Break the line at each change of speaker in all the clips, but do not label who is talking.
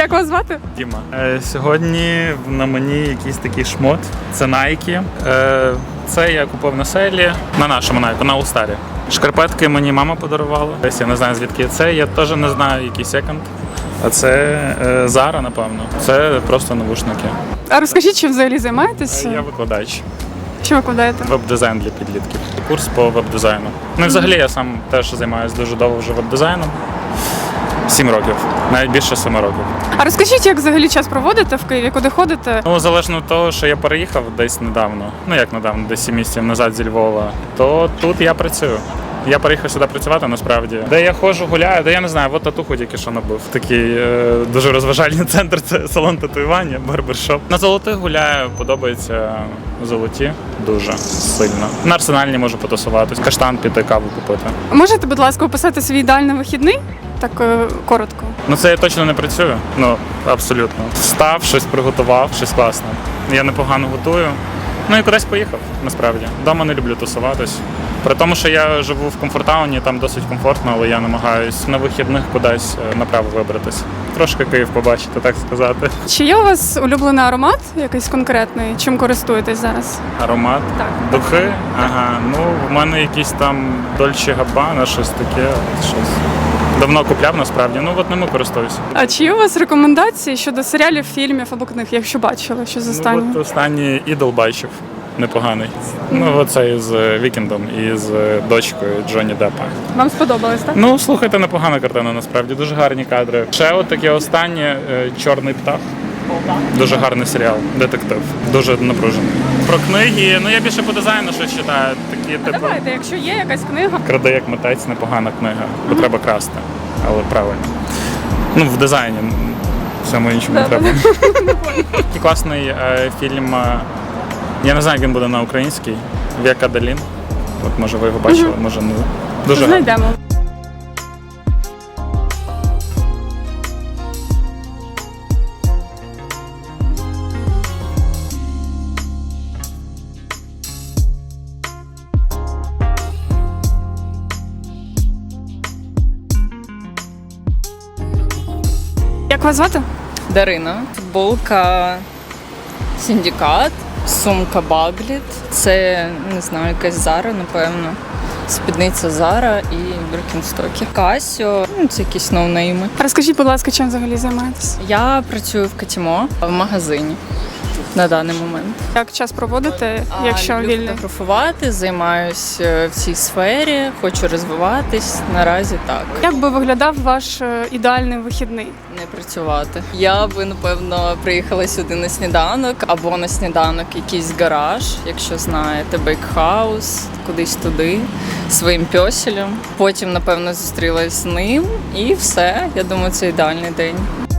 Як вас звати?
Діма. Сьогодні на мені якийсь такий шмот. Це Nike. Це я купив на селі, на нашому Nike, на All-Star. Шкарпетки мені мама подарувала. Десь я не знаю, звідки це. Я теж не знаю, який секонд. А це Zara, напевно. Це просто навушники.
А розкажіть, чим взагалі займаєтесь?
Я викладач.
Що викладаєте?
Веб-дизайн для підлітків. Курс по веб-дизайну. Ну і взагалі я сам теж займаюся дуже довго вже веб-дизайном. 7 років, навіть більше 7 років.
А розкажіть, як взагалі час проводите в Києві, куди ходите?
Ну, залежно від того, що я переїхав десь недавно, ну як недавно, десь 7 місяців назад зі Львова, то тут я працюю. Я приїхав сюди працювати насправді. Де я ходжу, гуляю, де я не знаю, от татуху тільки що набив. Такий дуже розважальний центр, це салон татуювання, барбершоп. На золотих гуляю, подобається золоті дуже сильно. На Арсенальні можу потусуватись, каштан піти, каву купити.
Можете, будь ласка, описати свій ідеальний вихідний? Так коротко.
Ну це я точно не працюю, ну абсолютно. Встав, щось приготував, щось класне. Я непогано готую. Ну і кудись поїхав, насправді. Дома не люблю тусуватись. При тому, що я живу в комфортауні, там досить комфортно, але я намагаюсь на вихідних кудись направо вибратись. Трошки Київ побачити, так сказати.
Чи є у вас улюблений аромат якийсь конкретний? Чим користуєтесь зараз?
Аромат,
Так.
духи. Ага, ну в мене якісь там Dolce Gabbana, щось таке, щось. Давно купляв насправді, ну от ними користуюся.
А чи є у вас рекомендації щодо серіалів, фільмів або книг, якщо бачили, що з останнього?
Ну, от останній «Ідол» бачив, непоганий. Ну оце із Вікендом і з дочкою Джонні Деппа.
Вам сподобалось, так?
Ну, слухайте, непогана картина, насправді, дуже гарні кадри. Ще от таке останнє «Чорний птах». Дуже гарний серіал, детектив, дуже напружений. Про книги, ну я більше по дизайну щось читаю. Такі, типу,
Давайте, якщо є якась книга.
«Краде як митець» непогана книга, бо треба красти, але правильно. Ну, в дизайні, всьому іншому не треба. І класний фільм, я не знаю, як він буде на українській, «Века Далін». От, може ви його бачили, може не. Дуже гарний.
Знайдемо. Як вас звати?
Дарина. Футболка Синдикат, сумка Багліт. Це, не знаю, якась Зара, напевно. Спідниця Зара і Біркенстоки. Касіо, ну, це якісь ноунейми.
Розкажіть, будь ласка, чим взагалі займаєтесь?
Я працюю в Катімо в магазині на даний момент.
Як час проводите, якщо
люблю
вільний?
фотографувати, займаюся в цій сфері, хочу розвиватись. Наразі так.
Як би виглядав ваш ідеальний вихідний?
Не працювати. Я би, напевно, приїхала сюди на сніданок або на сніданок якийсь гараж, якщо знаєте, бейкхаус, кудись туди, своїм пьоселем. Потім, напевно, зустрілась з ним і все. Я думаю, це ідеальний день.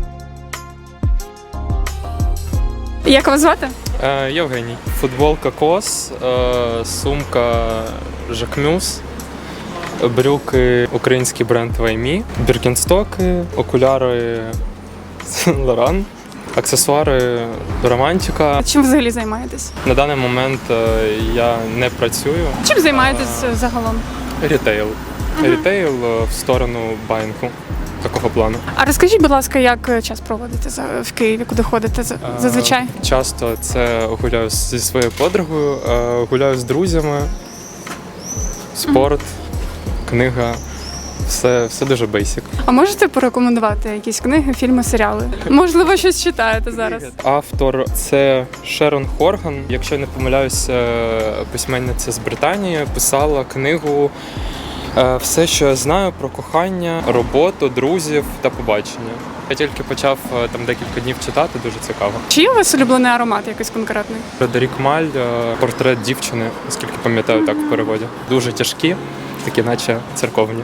Як вас звати?
Євгеній. Футболка Кос, сумка Жакмюс, брюки український бренд Ваймі, біркенстоки, окуляри Лоран, аксесуари Романтика.
Чим взагалі займаєтесь?
На даний момент я не працюю.
Чим займаєтесь загалом?
Рітейл. Рітейл в сторону банку. Такого плану.
А розкажіть, будь ласка, як час проводите в Києві, куди ходите зазвичай?
Часто це гуляю зі своєю подругою, гуляю з друзями, спорт, книга, все дуже бейсик.
А можете порекомендувати якісь книги, фільми, серіали? Можливо, щось читаєте зараз?
Автор це Шерон Хорган. Якщо я не помиляюся, письменниця з Британії, писала книгу «Все, що я знаю про кохання, роботу, друзів та побачення». Я тільки почав там декілька днів читати, дуже цікаво.
Чи є у вас улюблений аромат якийсь конкретний?
Фредерік Маль, портрет дівчини, наскільки пам'ятаю, так в переводі. Дуже тяжкі, такі наче церковні.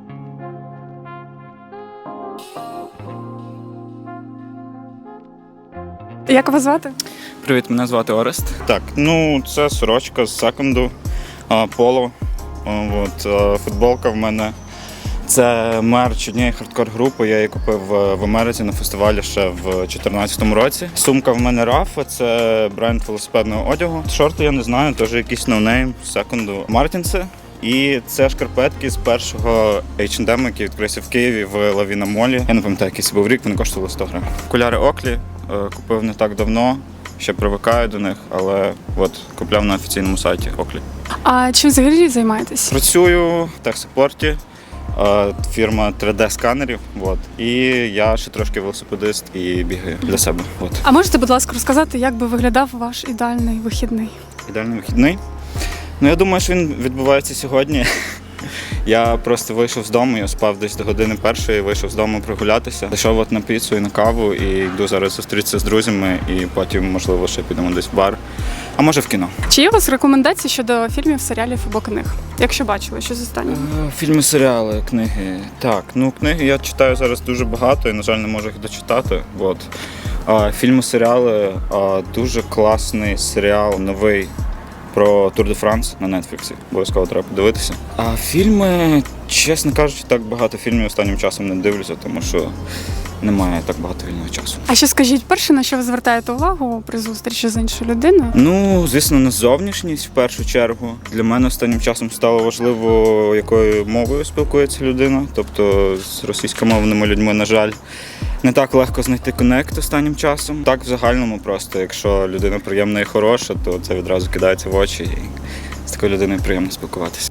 Як вас звати?
Привіт, мене звати Орест. Так, ну це сорочка з секонду, поло. Футболка в мене. Це мерч однієї хардкор-групи, я її купив в Америці на фестивалі ще в 2014 році. Сумка в мене Рафа, це бренд велосипедного одягу. Шорти я не знаю, теж якийсь ноунейм, з секонду. Мартінси, І це шкарпетки з першого H&M, який відкрився в Києві в Лавіна Молі. Я не пам'ятаю, який це був рік, вони коштували 100 гривень. Окуляри Оклі купив не так давно, ще привикаю до них, але от купляв на офіційному сайті Оклі.
А чим взагалі займаєтесь?
Працюю в техсапорті, фірма 3D-сканерів. От. І я ще трошки велосипедист і бігаю для себе. От.
А можете, будь ласка, розказати, як би виглядав ваш ідеальний вихідний?
Ідеальний вихідний. Ну, я думаю, що він відбувається сьогодні. Я просто вийшов з дому, я спав десь до години першої, вийшов з дому прогулятися. Зайшов от на піцу і на каву, і йду зараз зустрітися з друзями, і потім, можливо, ще підемо десь в бар, а може в кіно.
Чи є у вас рекомендації щодо фільмів, серіалів або книг? Якщо бачили, що з останнього?
Фільми, серіали, книги. Так, ну книги я читаю зараз дуже багато і, на жаль, не можу їх дочитати. От. Фільми, серіали, дуже класний серіал новий про Тур де Франс на Netflix. Обов'язково треба подивитися. А фільми, чесно кажучи, так багато фільмів останнім часом не дивлюся, тому що немає так багато вільного часу.
А ще скажіть, перше, на що ви звертаєте увагу при зустрічі з іншою людиною?
Ну, звісно, на зовнішність в першу чергу. Для мене останнім часом стало важливо, якою мовою спілкується людина. Тобто з російськомовними людьми, на жаль, не так легко знайти коннект останнім часом. Так, в загальному просто, якщо людина приємна і хороша, то це відразу кидається в очі, і з такою людиною приємно спілкуватися.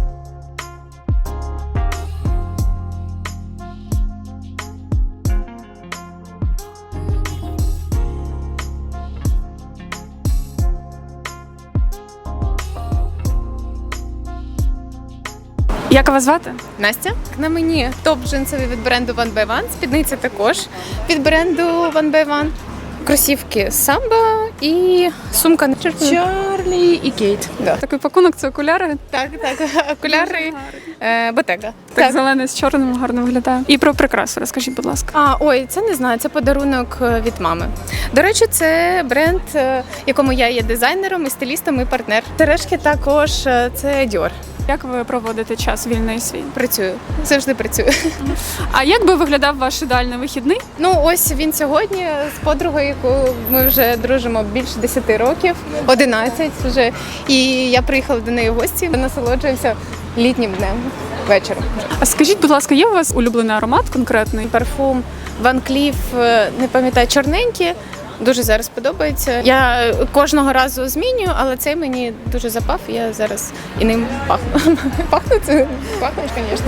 Як вас звати?
Настя, на мені топ джинсовий від бренду One by One, спідниця також від бренду One by One, кросівки Samba і сумка Чарлі і Кейт. Да.
Такий пакунок, це окуляри.
Так, окуляри Bottega.
Так, зелений з чорним гарно виглядає. І про прикрасу розкажіть, будь ласка.
Ой, це не знаю, це подарунок від мами. До речі, це бренд, якому я є дизайнером і стилістом і партнер. Сережки також це Dior.
Як ви проводите час вільний свій?
Працюю, завжди працюю.
А як би виглядав ваш ідеальний вихідний?
Ну, ось він сьогодні з подругою, яку ми вже дружимо більше 10 років, 11 вже. І я приїхала до неї в гості, насолоджуємося літнім днем, вечором.
А скажіть, будь ласка, є у вас улюблений аромат конкретний?
Парфум Van Cleef, не пам'ятаю, чорненький. Дуже зараз подобається. Я кожного разу змінюю, але цей мені дуже запав, і я зараз і ним пахну. Пахнуть, звісно.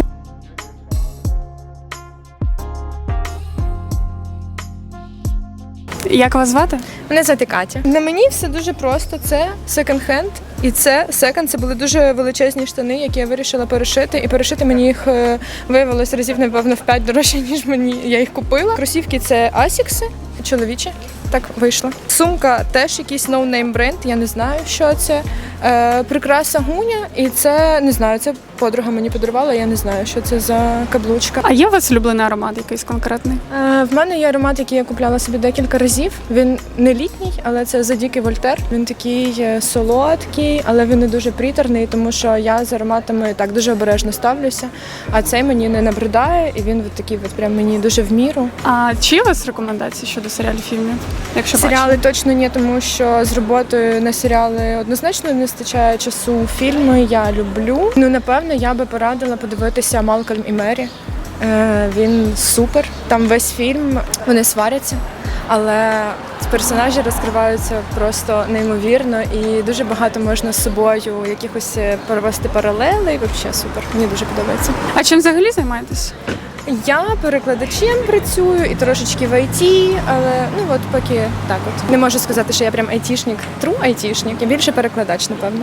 Як вас звати?
Мене звати Катя. На мені все дуже просто. Це секонд-хенд. І це секонд. Це були дуже величезні штани, які я вирішила перешити. І перешити мені їх виявилось разів, напевно, в 5 дорожче, ніж я їх купила. Кросівки це Asics, чоловічі. Так вийшло. Сумка теж якийсь ноунейм бренд, я не знаю, що це. Прикраса Гуня, і це, не знаю, це подруга мені подарувала, я не знаю, що це за каблучка.
А є у вас улюблений аромат якийсь конкретний?
В мене є аромат, який я купляла собі декілька разів. Він не літній, але це Задікий Вольтер. Він такий солодкий, але він не дуже приторний, тому що я з ароматами так дуже обережно ставлюся. А цей мені не набридає, і він такий прям мені дуже в міру.
А чи є у вас рекомендації щодо серіалів, фільмів? Якщо
Серіали точно ні, тому що з роботою на серіали однозначно не вистачає часу. Фільми я люблю. Ну, напевно, я би порадила подивитися «Малкольм і Мері». Він супер. Там весь фільм, вони сваряться, але персонажі розкриваються просто неймовірно і дуже багато можна з собою якихось провести паралели. І взагалі супер. Мені дуже подобається.
А чим взагалі займаєтесь?
Я перекладачем працюю і трошечки в IT, але ну от поки так от. Не можу сказати, що я прям айтішник, true айтішник. Я більше перекладач, напевно.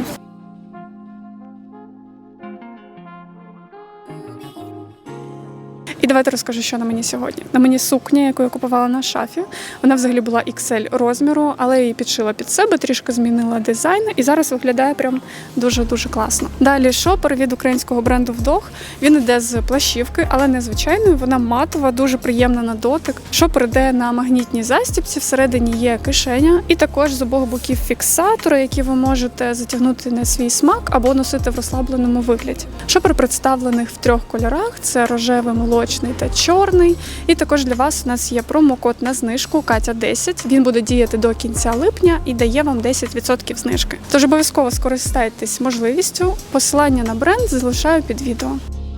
І давайте розкажу, що на мені сьогодні. На мені сукня, яку я купувала на шафі. Вона взагалі була XL розміру, але я її підшила під себе, трішки змінила дизайн і зараз виглядає прям дуже-дуже класно. Далі шопер від українського бренду «Вдох». Він іде з плащівки, але не звичайною, вона матова, дуже приємна на дотик. Шопер іде на магнітній застібці, всередині є кишеня і також з обох боків фіксатори, які ви можете затягнути на свій смак або носити в розслабленому вигляді. Шопер представлений в 3 кольорах – це рожевий, молочний класичний та чорний. І також для вас у нас є промокод на знижку Катя10. Він буде діяти до кінця липня і дає вам 10% знижки. Тож обов'язково скористайтесь можливістю. Посилання на бренд залишаю під відео.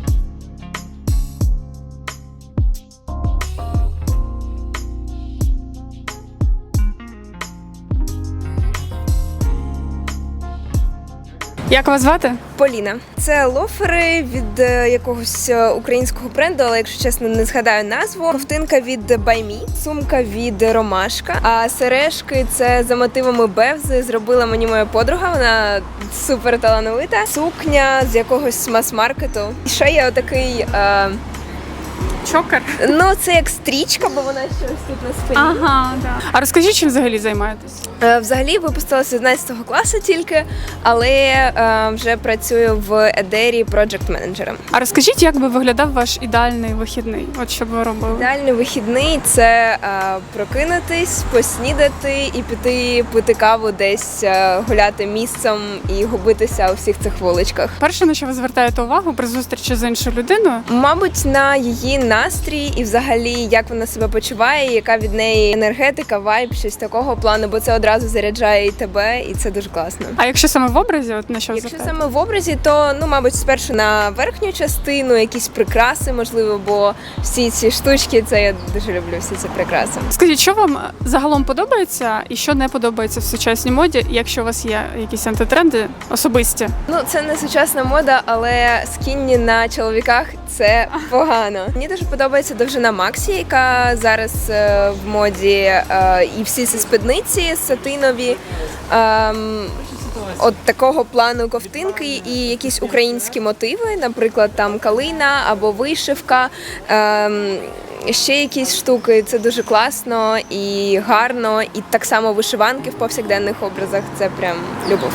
Як вас звати?
Поліна. Це лофери від якогось українського бренду, але якщо чесно, не згадаю назву. Ковтинка від By Me, сумка від Ромашка. А сережки це за мотивами Бевзи. Зробила мені моя подруга. Вона супер талановита. Сукня з якогось мас-маркету. І ще є отакий.
Чокер.
Ну, це як стрічка, бо вона щось тут на спині.
Ага, да. А розкажіть, чим взагалі займаєтесь?
Взагалі випустилася з 11 класу тільки, але вже працюю в Едері проджект-менеджером.
А розкажіть, як би виглядав ваш ідеальний вихідний? От що б ви робили?
Ідеальний вихідний – це прокинутись, поснідати і піти пити каву десь, гуляти місцем і губитися у всіх цих вуличках.
Перше, на що ви звертаєте увагу при зустрічі з іншою людиною?
Мабуть, на її настрій і взагалі, як вона себе почуває, яка від неї енергетика, вайб, щось такого плану, бо це одразу заряджає і тебе, і це дуже класно.
А якщо саме в образі, от на що ви
Якщо
звертаєте?
саме в образі, то, мабуть, спершу на верхню частину, якісь прикраси, можливо, бо всі ці штучки, це я дуже люблю, всі ці прикраси.
Скажіть, що вам загалом подобається і що не подобається в сучасній моді, якщо у вас є якісь антитренди особисті?
Ну, це не сучасна мода, але скінні на чоловіках – це погано. Мені дуже подобається довжина Максі, яка зараз в моді, і всі ці спідниці сатинові. От такого плану ковтинки і якісь українські мотиви, наприклад, там калина або вишивка, ще якісь штуки. Це дуже класно і гарно. І так само вишиванки в повсякденних образах – це прям любов.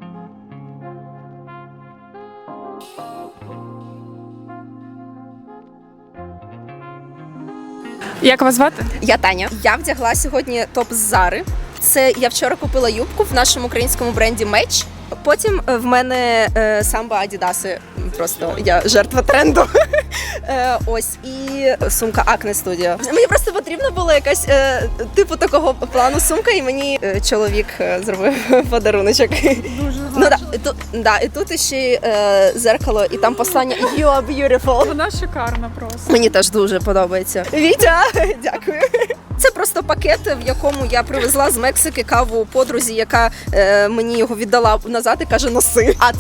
Як вас звати?
Я Таня. Я вдягла сьогодні топ з Зари. Це я вчора купила юбку в нашому українському бренді Меч. Потім в мене самбо Адідаси. Просто я жертва тренду. Ось і сумка Acne Studio. Мені просто потрібна була якась типу такого плану сумка, і мені чоловік зробив подаруночок. Дуже і тут ще зеркало, і там послання You are beautiful.
Вона шикарна просто.
Мені теж дуже подобається. Вітя, дякую. Це просто пакет, в якому я привезла з Мексики каву подрузі, яка мені його віддала назад і каже, носи. А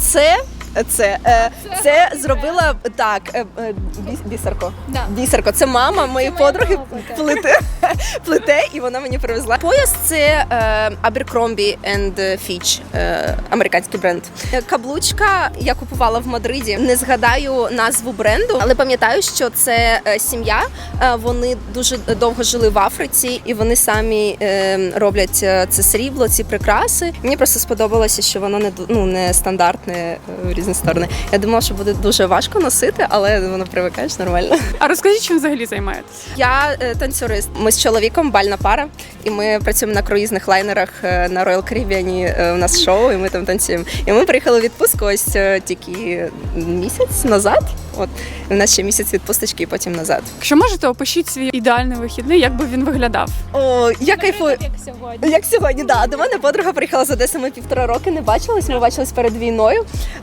це зробила так, бісерко. Да. Бісерко. Це мама моєї подруги плете, і вона мені привезла. Пояс це Abercrombie Fitch, американський бренд. Каблучка я купувала в Мадриді. Не згадаю назву бренду, але пам'ятаю, що це сім'я. Вони дуже довго жили в Африці, і вони самі роблять це срібло, ці прикраси. Мені просто сподобалося, що воно не стандартне в різні сторони. Я думала, що буде дуже важко носити, але воно привикаєш нормально.
А розкажіть, чим взагалі займаєтесь?
Я танцюрист. Ми з чоловіком бальна пара, і ми працюємо на круїзних лайнерах на Royal Caribbean. У нас шоу, і ми там танцюємо. І ми приїхали в відпустку ось тільки місяць назад. От у нас ще місяць відпусточки і потім назад.
Якщо можете, опишіть свій ідеальний вихідний, як би він виглядав.
О, я кайфую. Як сьогодні, да. До мене подруга приїхала з Одеси, ми 1,5 роки не бачились, ми бачились перед війною.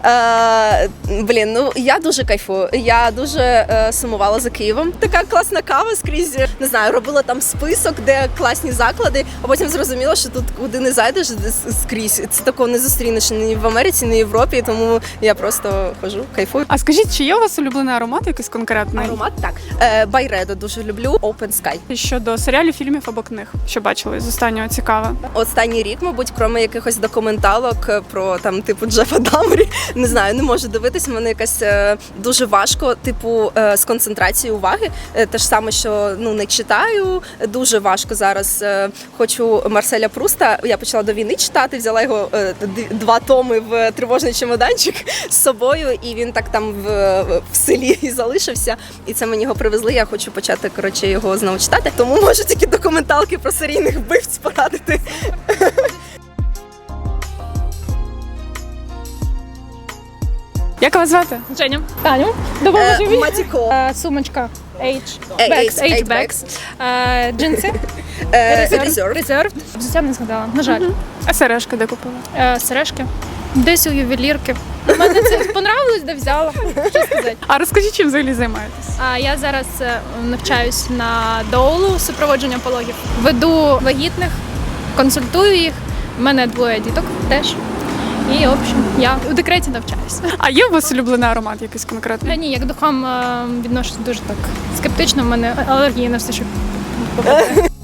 Я дуже кайфую. Я дуже сумувала за Києвом. Така класна кава скрізь, не знаю, робила там список, де класні заклади, а потім зрозуміла, що тут куди не зайдеш скрізь. Це такого не зустрінеш ні в Америці, ні в Європі, тому я просто хожу, кайфую.
А скажіть, чи є у вас улюблений аромат якийсь конкретний?
Аромат, так. Байредо дуже люблю, Open Sky.
Щодо серіалів, фільмів або книг, що бачили з останнього цікаве?
Останній рік, мабуть, крім якихось документалок про там типу Джефа Даммері, не знаю, не можу дивитись. У мене якась дуже важко, типу, з концентрацією уваги. Те ж саме, що не читаю. Дуже важко зараз. Хочу Марселя Пруста. Я почала до війни читати, взяла його 2 томи в тривожний чемоданчик з собою, і він так там в селі і залишився. І це мені його привезли. Я хочу почати його знову читати. Тому можу тільки документалки про серійних вбивць порадити.
Як вас звати?
Женя. Таню. Допоможи мені.
Матіко.
Сумочка
H-Bags.
Джинси.
Reserved.
Взуття не згадала, на жаль.
А сережка де купила?
Сережки. Десь у ювелірки. Мене це понравилось, де взяла. Що сказати?
А розкажіть, чим взагалі займаєтесь?
Я зараз навчаюсь на доулу супроводження пологів. Веду вагітних, консультую їх. У мене 2 діток теж. І, в общем, я у декреті навчаюсь.
А є у вас улюблений аромат якийсь конкретний?
Ні, як до духам відношусь дуже так скептично. У мене алергія на все, що попадає.